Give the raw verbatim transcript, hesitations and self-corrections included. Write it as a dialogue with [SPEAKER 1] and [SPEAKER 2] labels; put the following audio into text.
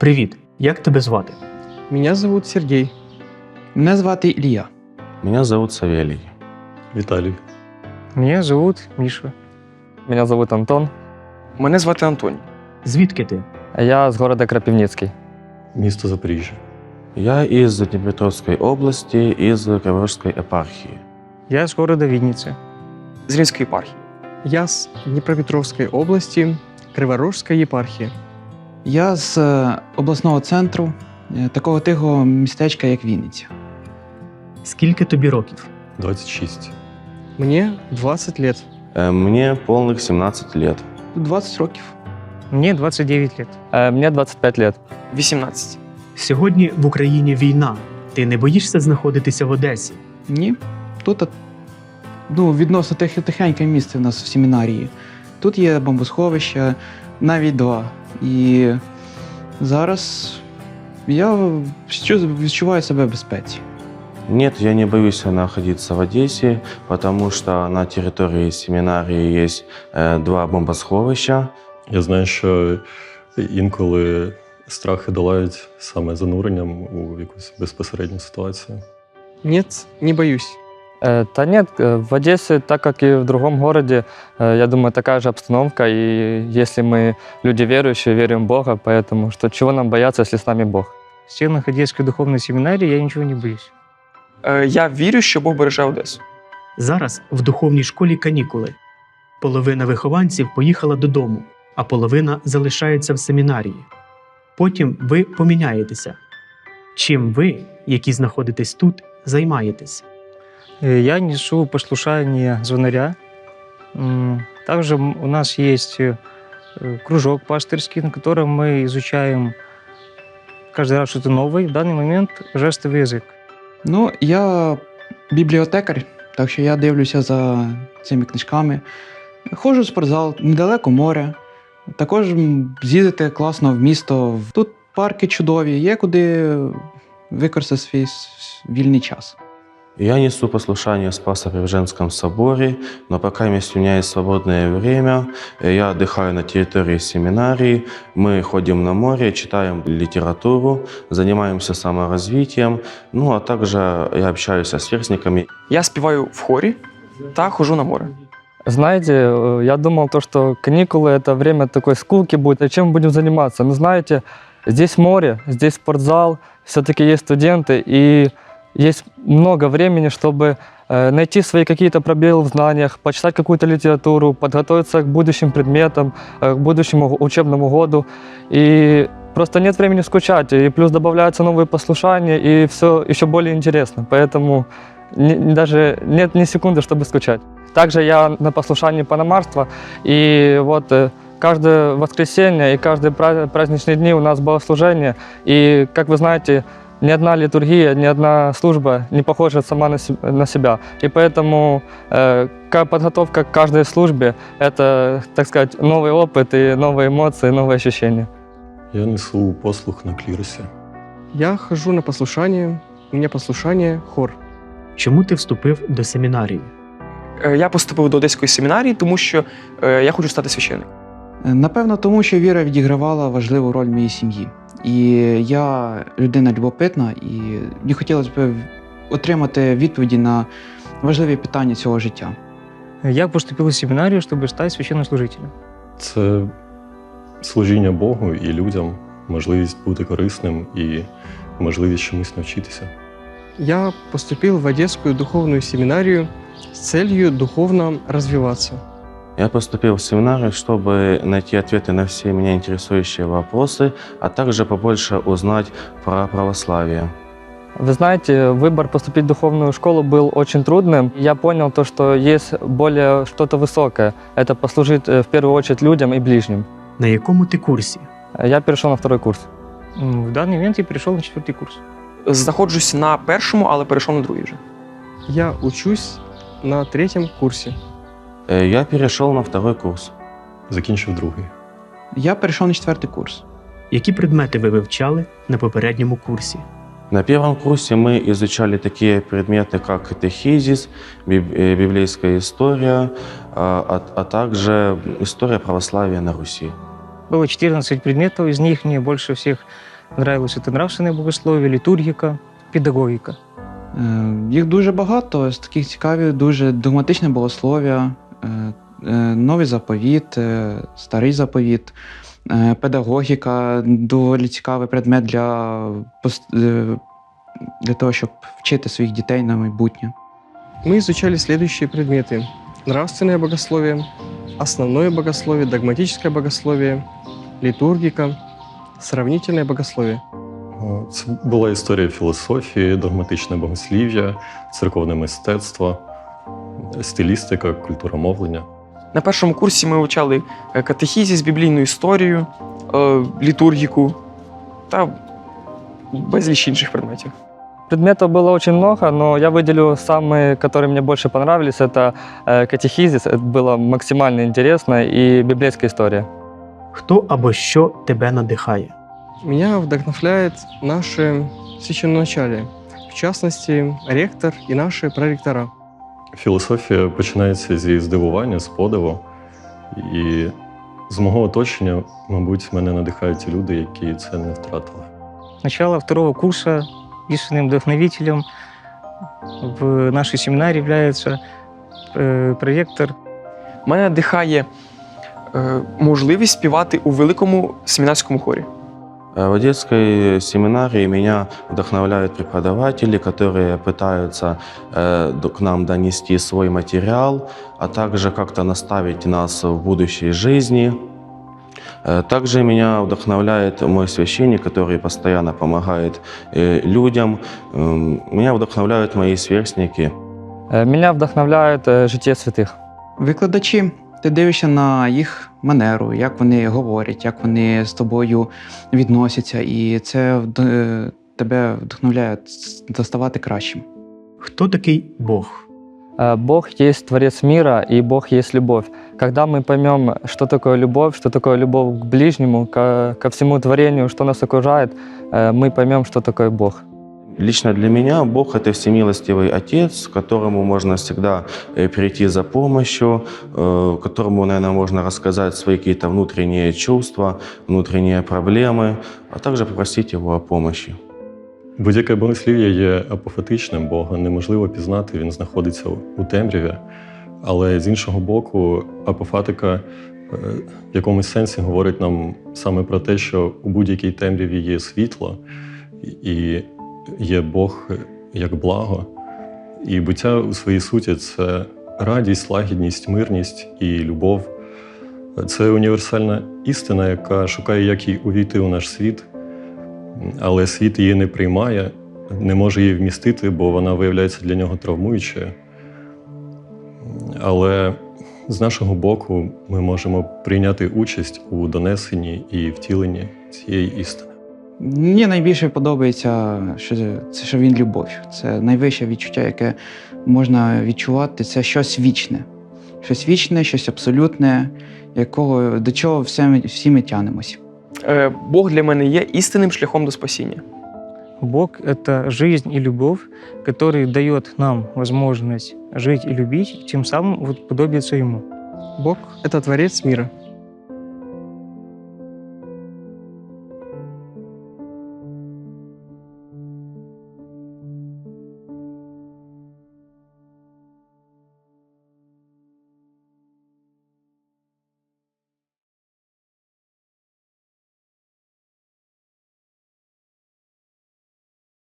[SPEAKER 1] Привіт, як тебе звати?
[SPEAKER 2] Меня зовут Сергей.
[SPEAKER 3] Мене звати Ілля.
[SPEAKER 4] Меня зовут Савелий.
[SPEAKER 5] Віталій.
[SPEAKER 2] Меня зовут Миша.
[SPEAKER 6] Меня зовут Антон.
[SPEAKER 7] Мене звати Антоній.
[SPEAKER 1] Звідки ти?
[SPEAKER 6] Я с города Крапивницкий.
[SPEAKER 5] Місто Запоріжжя.
[SPEAKER 4] Я из Днепропетровской области, из Криворожской епархии.
[SPEAKER 2] Я с города Винницы.
[SPEAKER 7] З Рівненської єпархії.
[SPEAKER 2] Я с Днепропетровской области, Криворожской епархии.
[SPEAKER 3] Я з е, обласного центру, е, такого тихого містечка, як Вінниця.
[SPEAKER 1] Скільки тобі років?
[SPEAKER 5] двадцять шість.
[SPEAKER 2] Мне двадцать лет.
[SPEAKER 4] Э, Мне полных семнадцать лет.
[SPEAKER 3] двадцять років.
[SPEAKER 2] Мне двадцать девять лет.
[SPEAKER 6] Э, Мне двадцать пять лет.
[SPEAKER 7] вісімнадцять.
[SPEAKER 1] Сьогодні в Україні війна. Ти не боїшся знаходитися в Одесі?
[SPEAKER 3] Ні. Тут ну, відносно тих, тихеньке місце в нас в семінарії. Тут є бомбосховище, навіть два. І зараз я відчу- відчуваю себе в безпеці.
[SPEAKER 4] Нет, я не боюсь находиться в Одессе, потому что на территории семинарии есть э, два бомбосховища.
[SPEAKER 5] Я знаю, що інколи страхи долають саме зануренням у якусь безпосередню ситуацію.
[SPEAKER 2] Нет, не боюсь.
[SPEAKER 6] Э, Да нет, э, в Одессе, так как и в другом городе, э, я думаю, такая же обстановка. И если мы люди верующие, верим в Бога, поэтому что, чего нам бояться, если с нами Бог?
[SPEAKER 2] В стенах Одесской духовной семинарии я ничего не боюсь.
[SPEAKER 7] Е, Я вірю, що Бог береже Одесу.
[SPEAKER 1] Зараз в духовній школі канікули. Половина вихованців поїхала додому, а половина залишається в семінарії. Потім ви поміняєтеся. Чим ви, які знаходитесь тут, займаєтесь?
[SPEAKER 2] Э, Я несу послушание звонаря. М, Также м- у нас есть э, э, кружок пастырский, на котором мы изучаем каждый раз что-то новое. В данный момент жестовый язык.
[SPEAKER 3] Ну, я бібліотекар, так що я дивлюся за цими книжками. Ходжу в спортзал, недалеко море. Також м, з'їздити класно в місто. Тут парки чудові, є куди використати свій с- вільний час.
[SPEAKER 4] Я несу послушание в Спасо-Преображенском соборе, но пока у меня есть свободное время, э, я отдыхаю на территории семинарии, мы ходим на море, читаем литературу, занимаемся саморазвитием, ну а также я общаюсь с сверстниками.
[SPEAKER 7] Я співаю в хорі та ходжу на море.
[SPEAKER 6] Знаете, э, я думал, то, что каникулы – это время такой скуки будет, а чем мы будем заниматься? Но знаете, здесь море, здесь спортзал, все-таки есть студенты, и есть много времени, чтобы э, найти свои какие-то пробелы в знаниях, почитать какую-то литературу, подготовиться к будущим предметам, э, к будущему учебному году. И просто нет времени скучать, и плюс добавляются новые послушания, и все еще более интересно. Поэтому ни- ни- даже нет ни секунды, чтобы скучать. Также я на послушании паномарства, и вот э, каждое воскресенье и каждые пра- праздничные дни у нас богослужение. И, как вы знаете, ни одна литургия, ни одна служба не похожа сама на, се- на себя. И поэтому э, ка- подготовка к каждой службе – это, так сказать, новый опыт и новые эмоции, новые ощущения.
[SPEAKER 5] Я несу послух на кліросі.
[SPEAKER 2] Я хожу на послушание. У меня послушание хор.
[SPEAKER 1] Чому ти вступив до семінарії?
[SPEAKER 7] Е, Я поступив до Одеської семінарії, тому що е, я хочу стати священником.
[SPEAKER 3] Е, Напевно, тому що віра відігравала важливу роль в моїй сім'ї. І я людина любопитна, і мені хотілося б отримати відповіді на важливі питання цього життя.
[SPEAKER 2] Я поступил в семинарию, чтобы стать священнослужителем.
[SPEAKER 5] Це служіння Богу і людям, можливість бути корисним і можливість чомусь навчитися.
[SPEAKER 2] Я поступил в Одесскую духовную семинарию с целью духовно развиваться.
[SPEAKER 4] Я поступил в семинарию, чтобы найти ответы на все меня интересующие вопросы, а также побольше узнать про православие.
[SPEAKER 6] Вы знаете, выбор поступить в духовную школу был очень трудным. Я понял то, что есть более что-то высокое. Это послужить э, в первую очередь людям и ближним.
[SPEAKER 1] На якому ти курсі?
[SPEAKER 6] Я перешел на второй курс.
[SPEAKER 2] М, В данный момент я перешел на четвертый курс.
[SPEAKER 7] Знаходжусь на першому, але перейшов на другий вже.
[SPEAKER 2] Я учусь на третьем курсе.
[SPEAKER 4] Э, Я перешел на второй курс.
[SPEAKER 5] Закінчив другий.
[SPEAKER 3] Я перейшов на четвертий курс.
[SPEAKER 1] Які предмети ви вивчали на попередньому курсі?
[SPEAKER 4] На первом курсе мы изучали такие предметы, как катехизис, биб- э, библейская история, а, а- а также история православия на Руси.
[SPEAKER 2] Было четырнадцать предметов, из них мне больше всех Нравилось это нравственное богословие, литургика, педагогика.
[SPEAKER 3] Е, Їх дуже багато, з таких цікавих, дуже догматичне богослов'я, е, е, новий заповіт, е, старий заповіт, е, педагогіка, доволі цікавий предмет для, пос- е, для того, щоб вчити своїх дітей на майбутнє.
[SPEAKER 8] Мы изучали следующие предметы. Нравственное богословие, основное богословие, догматическое богословие, литургика, сравнительное богословие.
[SPEAKER 5] Е, Це була історія філософії, догматичне богослів'я, церковне мистецтво, стилістика, культура мовлення.
[SPEAKER 7] На першому курсі ми вивчали е, катехізіс, біблійну історію, е, літургіку та безліч інших предметів.
[SPEAKER 6] Предметов было очень много, но я выделю самые, которые мне больше понравились. Это э, катехизис, это было максимально интересно, и библейская история.
[SPEAKER 1] Хто або що тебе надихає?
[SPEAKER 8] Меня вдохновляет наше священноначалие, в частности, ректор и наши проректора.
[SPEAKER 5] Філософія починається зі здивування, з подиву. І з мого оточення, мабуть, мене надихають ті люди, які це не втратили.
[SPEAKER 2] Начало второго курса истинным вдохновителем в нашей семинаре является э, проректор.
[SPEAKER 7] Мене надихає е, можливість співати у великому семінарському хорі.
[SPEAKER 4] Э, В детской семинарии меня вдохновляют преподаватели, которые пытаются э, д- к нам донести свой материал, а также как-то наставить нас в будущей жизни. Э, Также меня вдохновляет мой священник, который постоянно помогает э, людям. Эм, Меня вдохновляют мои сверстники.
[SPEAKER 6] Э, Меня вдохновляет э, житие святых.
[SPEAKER 3] Викладачі, ти дивишся на їх манеру, як вони говорять, як вони з тобою відносяться, і це вд- тебе вдохновляє ставати кращим.
[SPEAKER 1] Хто такий Бог?
[SPEAKER 6] Э, Бог есть Творец мира, и Бог есть любовь. Когда мы поймем, что такое любовь, что такое любовь к ближнему, ко, ко всему творению, что нас окружает, э, мы поймем, что такое Бог.
[SPEAKER 4] Лично для меня Бог – это всемилостивый Отец, к которому можно всегда э, прийти за помощью, э, которому, наверное, можно рассказать свои какие-то внутренние чувства, внутренние проблемы, а также попросить Его о помощи.
[SPEAKER 5] Будь-яке богослів'я є апофатичним, Бога неможливо пізнати, він знаходиться у темряві. Але з іншого боку, апофатика е, в якомусь сенсі говорить нам саме про те, що у будь-якій темряві є світло, і є Бог як благо. І буття у своїй суті – це радість, лагідність, мирність і любов. Це універсальна істина, яка шукає, як їй увійти у наш світ, але світ її не приймає, не може її вмістити, бо вона виявляється для нього травмуючою. Але з нашого боку ми можемо прийняти участь у донесенні і втіленні цієї істини.
[SPEAKER 3] Мені найбільше подобається, що це що він любов. Це найвище відчуття, яке можна відчувати. Це щось вічне. Щось вічне, щось абсолютне, якого, до чого все ми, всі ми тянемось.
[SPEAKER 7] Е, Бог для мене є істинним шляхом до спасіння.
[SPEAKER 2] Бог – это жизнь и любовь, который дает нам возможность жить и любить, и тем самым вот подобиться Ему.
[SPEAKER 8] Бог – это Творец мира.